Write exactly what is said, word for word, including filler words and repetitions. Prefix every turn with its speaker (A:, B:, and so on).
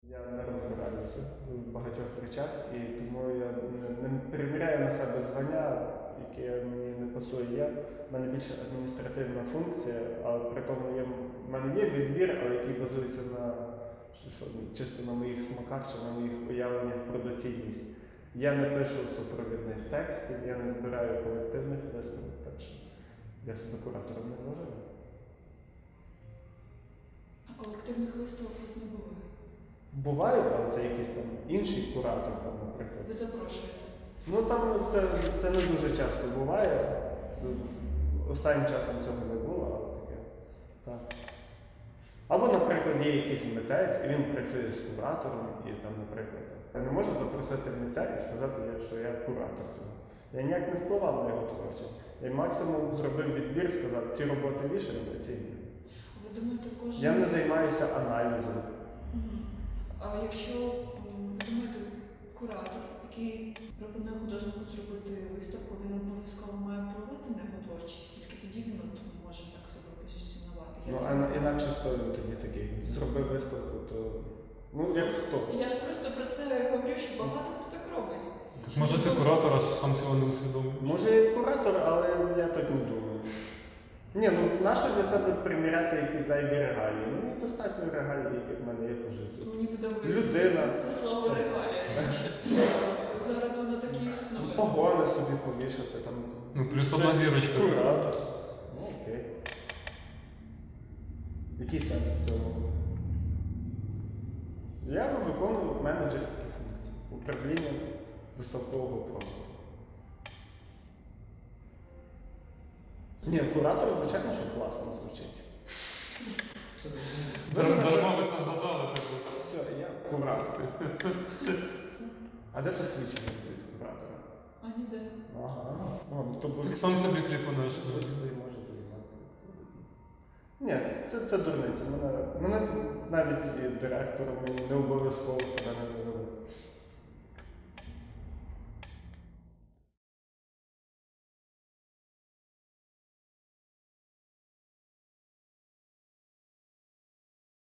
A: Я не розбираюся в багатьох речах, і тому я не, не приміряю на себе звання, яке мені не пасує. Я, в мене більше адміністративна функція, але при тому є, в мене є відбір, але який базується на що, що, чисто на моїх смаках чи на моїх уявленнях про доцільність. Я не пишу супровідних текстів, я не збираю колективних висновок, так що я себе куратором не вважаю.
B: А колективних виставок тут не буває?
A: Бувають, але це якийсь там інший куратор, там, наприклад.
B: Ви запрошуєте?
A: Ну там це, це не дуже часто буває. Останнім часом цього не було, але таке. Так. Або, наприклад, є якийсь митець, і він працює з куратором, і там, наприклад, я не можу запросити митця і сказати, що я куратор цього. Я ніяк не впливав на його творчість. Я максимум зробив відбір, сказав, ці роботи вішані, а ці ні.
B: Ви думаєте, кожен...
A: Я не займаюся аналізом.
B: Угу. А якщо ви думаєте, куратор, який пропонує художнику зробити виставку, він обов'язково має впливати на його творчість, тільки тоді він от може так себе позиціонувати.
A: Ну, а інакше хто він тоді такий? Зробив виставку, то... Ну, як хто?
B: Я ж просто про це говорю, що багато хто так робить.
C: Так може ти куратор, а сам цього не усвідомив?
A: Може і куратор, але я так не думаю. Ні, ну нащо для себе приміряти якісь зайві регалії? Ну, достатньо регалій, які в мене є по життю.
B: Мені подобається
A: Людина.
B: це, це слово регалія. Зараз воно так і існує.
A: Погони собі повішати там.
C: Ну, плюс одна зірочка.
A: Куратор. Ну, окей. Який сенс в цьому? Я виконую менеджерські функції. Управління виставкового простору. Ні, куратор, звичайно, що класно звучить.
C: Дарма ви це задали.
A: Все, я куратор. А де посвідчення від куратора?
B: А ніде.
A: Ага. О, ну, то
C: Так сам собі кліпанеш.
A: Будь-хто може займатися. Ні, це, це дурниця. Мене, мене навіть і директором мені не обов'язково себе не називати.